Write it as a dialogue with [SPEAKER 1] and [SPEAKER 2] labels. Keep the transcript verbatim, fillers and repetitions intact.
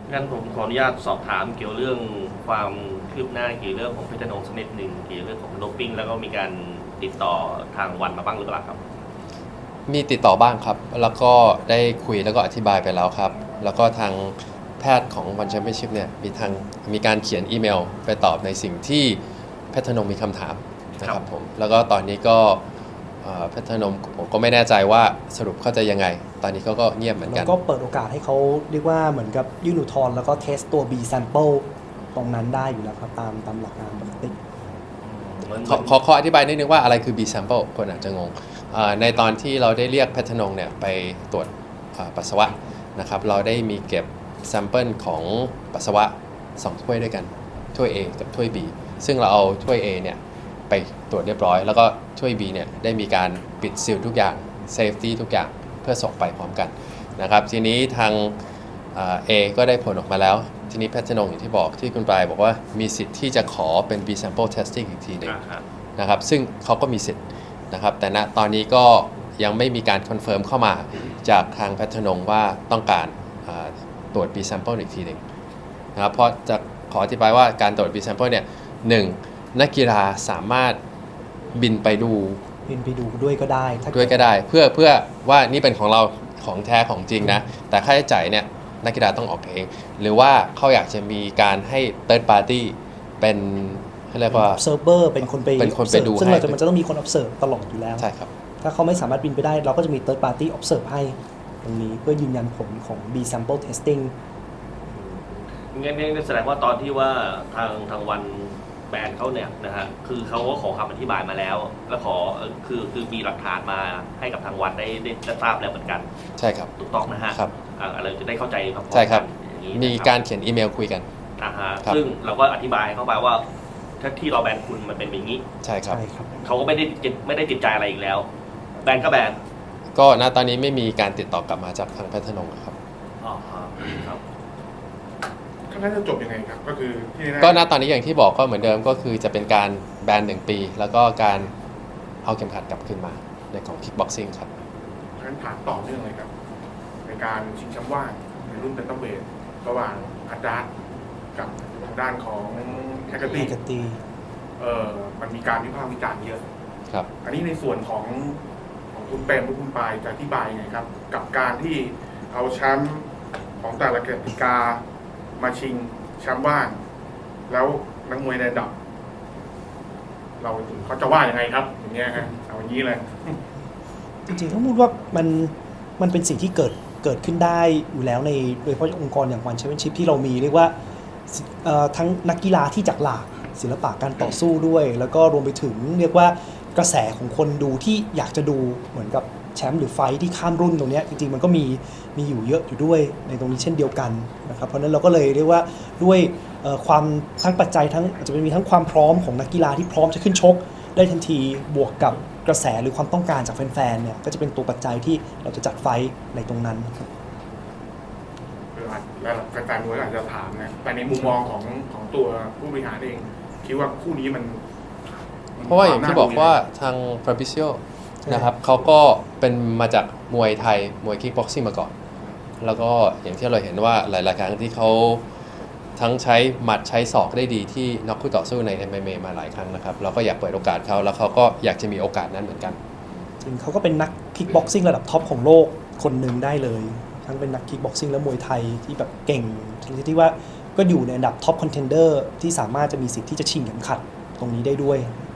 [SPEAKER 1] งั้นผมขออนุญาตสอบถามเกี่ยวเรื่องความคืบหน้าเกี่ยวเรื่องของเพชรนงค์สักนิดหนึ่งเกี่ยวเรื่องของโดปปิ้งแล้วก็มีการติดต่อทางวันมาบ้างหรือเปล่าครับ
[SPEAKER 2] มีติดต่อบ้างครับแล้วก็ได้คุยแล้วก็อธิบายไปแล้วครับแล้วก็ทางแพทย์ของวันแชมเปี้ยนชิพเนี่ยมีทางมีการเขียนอีเมลไปตอบในสิ่งที่แพทย์ธนงมีคำถามนะครับผมแล้วก็ตอนนี้ก็แพทย์ธนงผมก็ไม่แน่ใจว่าสรุปเขาจะยังไงตอนนี้เขาก็เงียบเหมือนกัน
[SPEAKER 3] แล้วก็เปิดโอกาสให้เขาเรียกว่าเหมือนกับยื่นอุทธรณ์แล้วก็เทสตัว B sample ตรงนั้นได้อยู่แล้วครับตามตามหลักงานปกติ
[SPEAKER 2] ขอขอขออธิบายนิดนึงว่าอะไรคือ B sample คนอาจจะงงในตอนที่เราได้เรียกแพทย์ธนงเนี่ยไปตรวจปัสสาวะนะครับเราได้มีเก็บแซมเปิลของปัสสาวะสองถ้วยด้วยกันถ้วย A กับถ้วย B ซึ่งเราเอาถ้วย A เนี่ยไปตรวจเรียบร้อยแล้วก็ถ้วย B เนี่ยได้มีการปิดซีลทุกอย่างเซฟตี้ทุกอย่างเพื่อส่งไปพร้อมกันนะครับทีนี้ทาง A ก็ได้ผลออกมาแล้วทีนี้แพทย์ธนงอย่างที่บอกที่คุณปลายบอกว่ามีสิทธิ์ที่จะขอเป็น B sample testing อีกทีหนึ่งนะครับซึ่งเขาก็มีสิทธิ์นะครับแต่ณตอนนี้ก็ยังไม่มีการคอนเฟิร์มเข้ามาจากทางแพทย์ธนงว่าต้องการตรวจ B sample อีกทีหนึ่งนะครับเพราะจะขออธิบายว่าการตรวจ B sample เนี่ยหนึ่งนักกีฬาสามารถบินไปดู
[SPEAKER 3] บินไปดูด้วยก็ได้
[SPEAKER 2] ด้วยก็ได้เพื่อเพื่อว่านี่เป็นของเราของแท้ของจริงนะแต่ค่าใช้จ่ายเนี่ยนักกีฬาต้องออกเองหรือว่าเขาอยากจะมีการให้ third party เป็นเขาเรียกว่า
[SPEAKER 3] observer เป็นคนไป
[SPEAKER 2] เป็นคนไปดู
[SPEAKER 3] ซึ่งเราจะมันจะต้องมีคน observe ตลอดอยู่แล้ว
[SPEAKER 2] ใช่ครับ
[SPEAKER 3] ถ้าเขาไม่สามารถบินไปได้เราก็จะมี third party observe ให้ตรงนี้เพื่อยืนยันผลของ B sample testing
[SPEAKER 1] งั้นนี่แสดงว่าตอนที่ว่าทางทางวันแบนเขาเนี่ยนะฮะคือเขาก็ขอคำอธิบายมาแล้วแล้วขอคือคือมีหลักฐานมาให้กับทางวันได้ได้ทราบแล้วเหมือนกัน
[SPEAKER 2] ใช่ครับ
[SPEAKER 1] ถูกต้องนะฮะ
[SPEAKER 2] ครับ
[SPEAKER 1] อะไรจะได้เข้าใจครับ
[SPEAKER 2] ใช่ครับมีการเขียนอีเมลคุยกัน
[SPEAKER 1] อ่าฮะซึ่งเราก็อธิบายเข้าไปว่าถ้าที่เราแบนคุณมันเป็นอย่างนี้
[SPEAKER 2] ใช่ครับ
[SPEAKER 1] เขาก็ไม่ได้ไม่ได้ติดใจอะไรอีกแล้วแบนก็แบน
[SPEAKER 2] ก็ณตอนนี้ไม่มีการติดต่อกลับมาจากทางแพทย์ธนงครับ
[SPEAKER 1] อ๋อครับ
[SPEAKER 4] น่าจะจบยังไงครับก็คือ
[SPEAKER 2] ก็ณตอนนี้อย่างที่บอกก็เหมือนเดิมก็คือจะเป็นการแบนหนึ่งปีแล้วก็การเอาเข็มขัดกลับขึ้นมาในของคิกบ็อกซิ่งครับ
[SPEAKER 4] งั้นถามต่อเนื่องเลยครับในการชิงแชมป์ว่างในรุ่นเป็นต้องเวทระหว่างอาจารย์กับทางด้านของแฮกเกอร์ตี้เอ่อมันมีการวิพากษ์วิจารณ์เยอะ
[SPEAKER 2] ครับ
[SPEAKER 4] อันนี้ในส่วนของของคุณเปรมหรือคุณปายจะอธิบายยังไงครับกับการที่เอาแชมป์ของแต่ละกติกามาชิงแชมป์ว่างแล้วนักมวยในระดับเราเขาจะว่ายังไงครับอย่างเงี้ยฮะเอาอย่างนี้เลย
[SPEAKER 3] จริงๆต้องพูดว่ามันมันเป็นสิ่งที่เกิดเกิดขึ้นได้อยู่แล้วในโดยเฉพาะองค์กรอย่างวันแชมเปี้ยนชิพที่เรามีเรียกว่าทั้งนักกีฬาที่จากหลากศิลปะการต่อสู้ด้วยแล้วก็รวมไปถึงเรียกว่ากระแสของคนดูที่อยากจะดูเหมือนกับแชมป์หรือไฟที่ข้ามรุ่นตรงนี้จริงๆมันก็มีมีอยู่เยอะอยู่ด้วยในตรงนี้เช่นเดียวกันนะครับเพราะนั้นเราก็เลยเรียกว่าด้วยความทั้งปัจจัยทั้งอาจจะมีทั้งความพร้อมของนักกีฬาที่พร้อมจะขึ้นชกได้ทันทีบวกกับกระแสหรือความต้องการจากแฟนๆเนี่ยก็จะเป็นตัวปัจจัยที่เราจะจัดไฟในตรงนั้นครับ
[SPEAKER 4] แล้วแฟนๆมวยอาจจะถามนะแต่ในมุมมองของของตัวผู้บริหารเองคิดว่าคู่นี้มัน
[SPEAKER 2] เพราะว่าอย่างที่บอกว่าทางฟาบิซิโอนะครับเขาก็เป็นมาจากมวยไทยมวยคิกบ็อกซิ่งมาก่อนแล้วก็อย่างที่เราเห็นว่าหลายๆครั้งที่เขาทั้งใช้หมัดใช้ศอกได้ดีที่น็อกคู่ต่อสู้ใน เอ็ม เอ็ม เอ มาหลายครั้งนะครับเราก็อยากเปิดโอกาสเขาแล้วเขาก็อยากจะมีโอกาสนั้นเหมือนกัน
[SPEAKER 3] จริงเขาก็เป็นนักคิกบ็อกซิ่งระดับท็อปของโลกคนหนึ่งได้เลยทั้งเป็นนักคิกบ็อกซิ่งและมวยไทยที่แบบเก่งที่ว่าก็อยู่ในอันดับท็อปคอนเทนเดอร์ที่สามารถจะมีสิทธิ์ที่จะชิงเข็มขัดตรงนี้ได้ด้วย